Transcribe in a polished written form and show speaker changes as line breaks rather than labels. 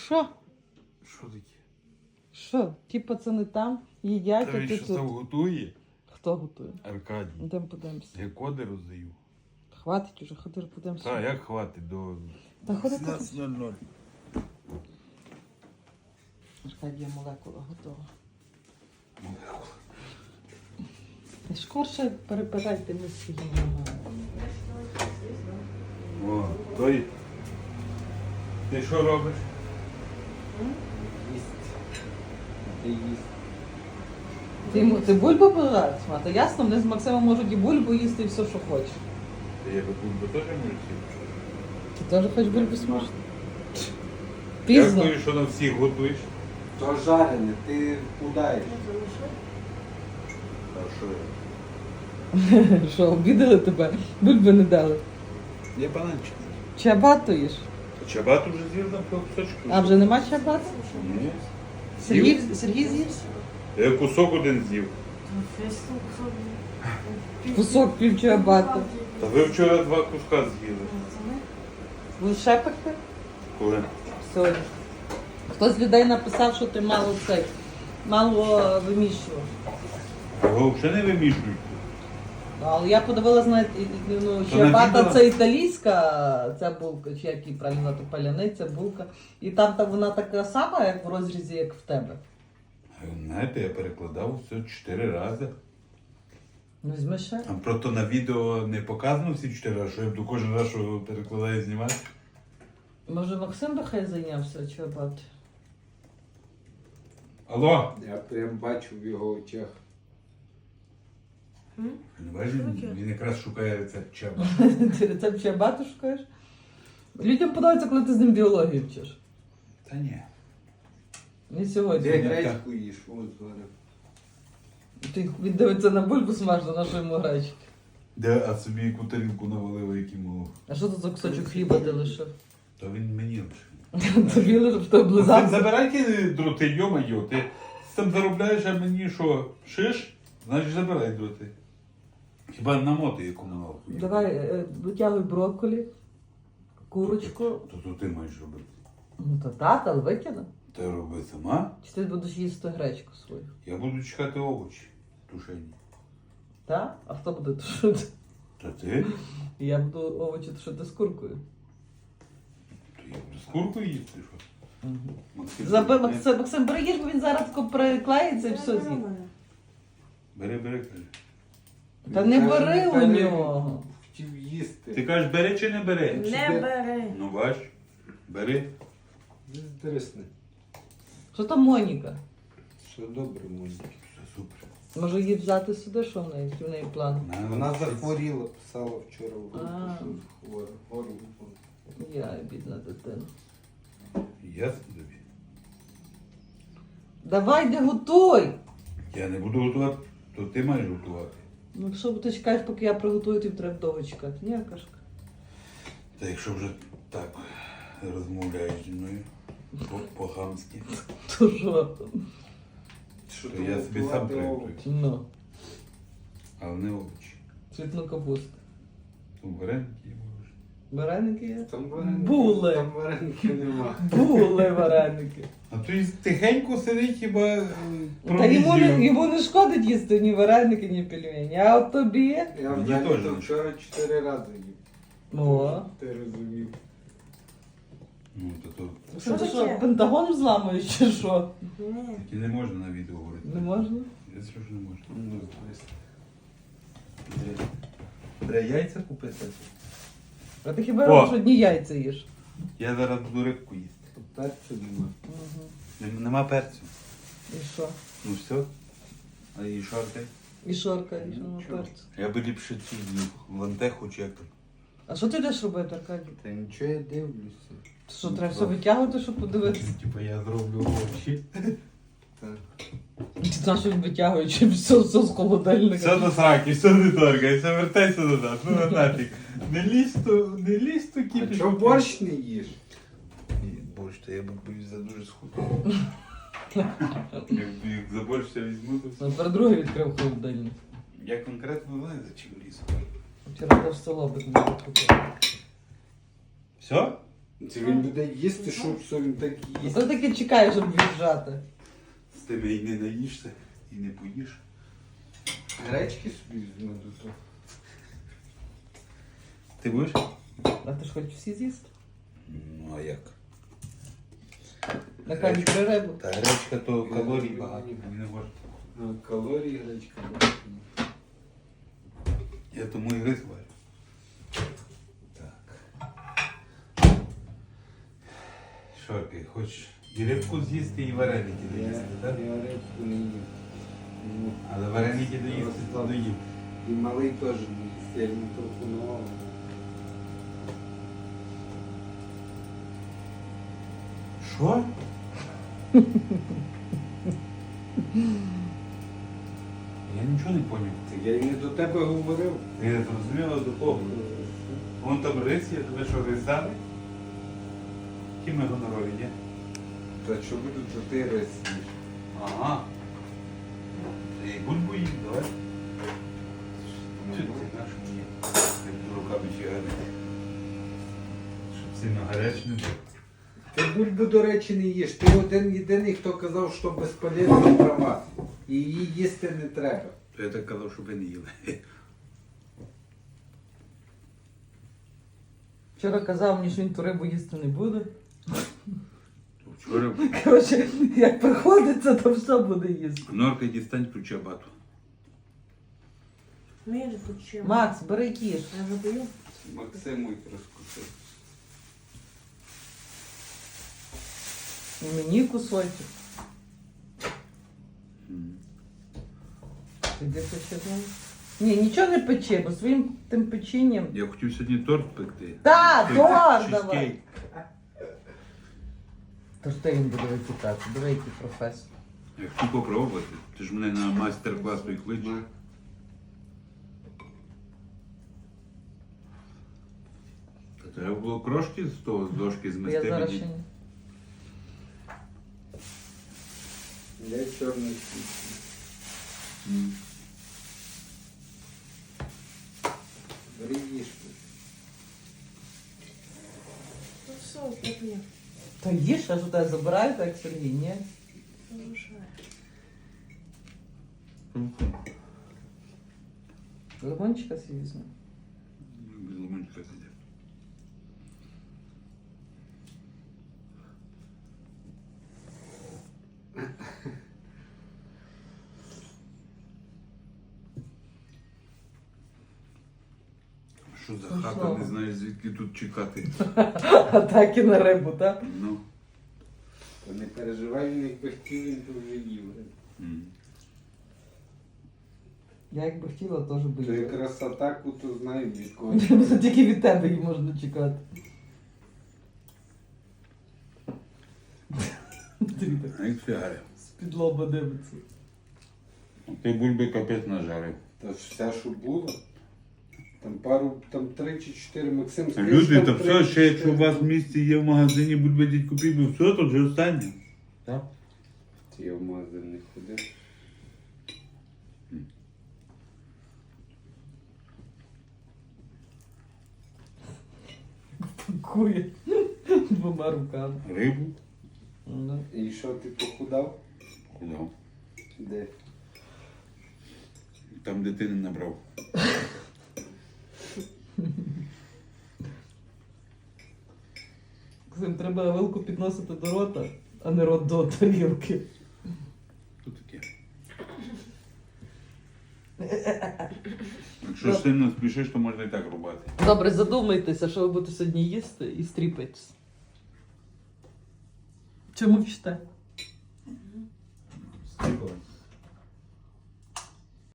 Що?
Що таке?
Що? Ті пацани там їдять,
Та
а
він
ти
що
тут.
там готує?
Хто готує?
Аркадій.
Йдемо подивимося.
Я коди роздаю.
Хватить уже, ходи подивимося.
Та, як хватить до
Та ходи,
17:00.
Аркадія молекула готова. Скорше перепирайте ми своїми ногами.
О, той. Ти що робиш?
Ти бульбу пожариш, мати? Ясно, вони з Максимом можуть і бульбу їсти, і все, що хочеш.
Та я бульбу теж можу сіти.
Ти теж хочеш бульбу смажити? Пізно.
Дякую, що на всіх готуєш.
То жарене, ти худаєш.
А що я?
Що, обідали тебе? Бульби не дали.
Я бананчик.
Чабату їш?
Чабату вже з'їв на кусочку.
А вже нема чабату?
Ні.
Сергій з'їв?
Я кусок один з'їв.
Кусок пів чабату.
Та ви вчора 2 куска з'їли.
Ви ще пекти?
Коли?
Сьогодні. Хтось з людей написав, що ти мало виміщував.
Його взагалі не вимішують.
Але я подивилась на ну,
То на
чабата
відео?
це італійська ця булка, чи як її правильно назвати, паляниця, булка. І там вона така сама, як в розрізі, як в тебе.
Знаєте, я перекладав все 4 рази.
Ну, візьми ще.
А просто на відео не показано всі 4 рази, що я буду кожен раз, що перекладаю, знімати.
Може Максим би хай зайнявся чабат?
Алло!
Я прям бачу в його очах.
Бачиш, він якраз шукає рецепт чаба.
Ти рецепт чабату шукаєш? Людям подобається, коли ти з ним біологію вчиш.
Та ні.
Не сьогодні.
Де гречку їш? Ось зараз.
Він дивиться на бульбу смажну, на що йому гречки.
Де, а собі яку тарілку навалив, який молох.
А що тут за кусочок хліба ти лишив?
То він мені лише.
Тобі лишив, що
Ти
облизався.
забирай ті дроти, йо-майо. Ти там заробляєш, а мені що, шиш? Значить забирай дроти. Хіба намоти якому нахуй.
Давай, витягуй брокколі, курочку.
То ти маєш робити.
Ну то тата, але викину.
Ти роби сама,
Чи ти будеш їсти гречку свою?
я буду чекати овочі тушені.
Так? А хто буде тушити?
Та ти?
Я буду овочі тушити з куркою.
То я буду з куркою їсти, що?
Максим, бери їж, бо він зараз приклеїться і все з'їсть.
Бери, каже.
Та не
Каже,
бери у
Віталій
нього.
Хотів їсти.
Ти кажеш, бери чи не бери?
Не бери.
Ну бач, бери.
Здрисни.
Що там Моніка?
Все добре, Моніка.
Все супер.
Може її взяти сюди, що в неї? Який в неї план?
Вона захворіла, писала вчора в групу,
А.
що хвора. Горло.
Я бідна дитина.
Ясно тобі.
Давай, де готуй!
Я не буду готувати, то ти маєш готувати.
Ну що ти чекаєш, поки я приготую, тобі треба довго чекати. Ні, Аркашка?
Та якщо вже так розмовляєш зі мною по-хамськи,
То що?
Що
то я собі сам приготую.
Ну,
Але не овочі.
цвітну капусту.
Там вареники можеш.
Вареники є?
Там вареники,
Були.
Там вареники нема.
Були вареники.
А то й тихенько сидить хіба
Та йому не шкодить їсти ні вареники, ні пельмені. А от тобі?
Я
Мені
взагалі
теж
то
не
вчора 4 рази їв.
О.
Ти розумів.
Ну, то
Що ти
таке?
що, Пентагон взламуєш чи що?
Ні.
таки не можна на відео говорити.
Не можна?
Я скажу, що не можна.
Ну,
Треба яйця купити.
А ти хіба
О.
робиш одні яйця їш?
Я зараз буду рибку їсти.
перцю нема.
Угу.
Нема перцю.
І що?
Ну все. А і шаркай.
І шорка, і що на
Нічого.
перцю.
Я би ліпше цю лантеху чи як там.
А що ти йдеш робити, Аркадій?
Та нічого я дивлюся.
Що, треба все витягувати, щоб подивитися?
Типа я зроблю овочі.
Так.
Ти знаєш, що він витягує, чи все з холодильника.
Все до сраки, все не торкай, все вертайся назад. Ну нафіг. Не лізь то
А
кипіш.
чого борщ не їш?
Борщ, то я боюсь за дуже схудо. Як за борщ я візьму, то все.
Ну, тепер другий відкрив холодильник.
Я конкретно не знаю, за чим лізу.
Вчора теж село би не купив.
Все?
Це він буде їсти, що він так їсть.
Ти таки чекаєш, щоб віджати.
З тебе і не наїшся, і не поїш.
Гречки собі візьму до того.
Ти будеш?
А ти ж хочеш всі з'їсти?
Ну а як?
На камінь рибу.
Та гречка то калорій багато. Не можна.
Ну, калорії гречка. багато.
Я тому і рис варю. Так. Що ти, хочеш і рибку з'їсти, і вареники доїсти, так?
Я рибку не їм. Ну,
Але вареники доїсти то доїм.
і малий теж не їсть, я йому пропонував.
Що? Я нічого не поняв.
Так я й не до тебе говорив.
Я не зрозуміла до кого. Вон там рис є, тебе що рис дали? Які ми гонорові, ні?
Та що буду, то ти рис їш.
Ага. Та й бульбу їм, давай. Чи ти наш мені? Ти руками фігари. Щоб сильно гаряче не було.
Ти бульбу, до речі, не їш. Ти один єдиний, хто казав, що безполезна трава. І її їсти не треба.
То я так казав, щоб ви не їли.
Вчора казав мені, що він ту рибу їсти не буде.
Вчора
Коротше, як приходиться, то все буде їсти.
Норка дістань ключ абату.
Ну я же хочу.
Макс, бери кіш.
Я вже бою.
Максиму й розкусив.
І мені кусочок. Іди пече знову. Ні, нічого не пече, бо своїм тим печенням.
Я хотів сьогодні торт пекти.
Та,
Той
торт
чизкейк.
давай. Тож ти він буде витікати. Диви, який професор.
Я хочу попробувати. Ти ж мене на майстер-клас той кличеш. Та треба було крошки з того з дошки
Я
змести
зараз ще
мені.
ні.
Я чорний світ.
М.
Бери їж.
Ну все, поп'є.
Та їж, аж у тебе забирають, як Сергій, ні?
Залишай.
Лимончика свій візьме.
Без лимончика сидять. Що за
Ну,
хата,
що?
не знаєш звідки тут чекати.
А так і на рибу, так?
Ну.
Та не переживай, він якби хотів, він то вже їв.
М.
Я якби хотіла, теж би
То
їла.
якраз атаку, то знаю від кого.
Тільки від тебе її можна чекати. Дивіться,
А як фігаря.
з-під лоба дивиться.
Ти бульби капець нажарив.
Та ж все, що було. Там 3 чи 4 Максим сказав,
Люди,
що
та
там
все,
3 чи
ще якщо у
4.
вас в місті є в магазині бульби дідь купіть, бо все, то вже останнє. Так?
Ти я в магазин не ходив.
Пакує двома руками.
Рибу?
Ну,
І що, ти похудав?
Кудав.
Де?
Там дитини набрав.
Ксим, треба вилку підносити до рота, а не рот до тарілки.
Що таке? Якщо сильно спішиш, то можна і так рубати.
Добре, задумайтеся, що ви будете сьогодні їсти і стріпайтесь. Чому вчите?